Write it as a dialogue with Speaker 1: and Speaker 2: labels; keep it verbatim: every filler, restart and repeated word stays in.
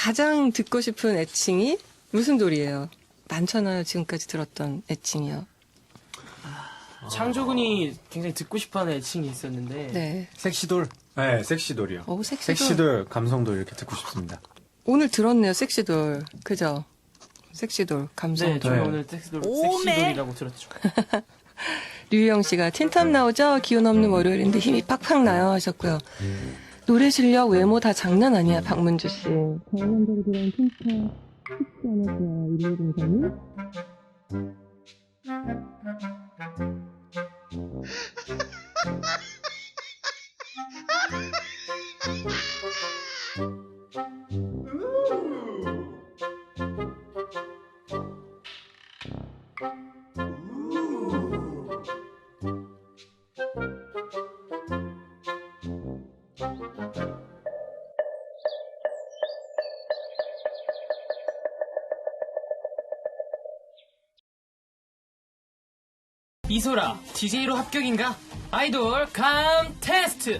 Speaker 1: 가장 듣고 싶은 애칭이 무슨 돌이에요? 많잖아요. 지금까지 들었던 애칭이요.
Speaker 2: 창조군이 굉장히 듣고 싶어하는 애칭이 있었는데
Speaker 1: 네.
Speaker 3: 섹시돌. 네, 섹시돌이요.
Speaker 1: 오, 섹시돌.
Speaker 3: 섹시돌, 감성돌 이렇게 듣고 싶습니다.
Speaker 1: 오늘 들었네요. 섹시돌. 그죠? 섹시돌,
Speaker 2: 네,
Speaker 1: 감성돌.
Speaker 2: 저희
Speaker 3: 네.
Speaker 2: 오늘 섹시돌, 섹시돌이라고 들었죠.
Speaker 1: 류희영 씨가 틴탑 나오죠? 기운 없는 월요일인데 힘이 팍팍 나요 하셨고요. 노래 실력, 외모 다 장난 아니야, 박문주 씨. 강원도로 들어온 틴탑 쉽지 않았어요, 일일공삼이.
Speaker 2: 이소라, 디제이로 합격인가? 아이돌 감 테스트!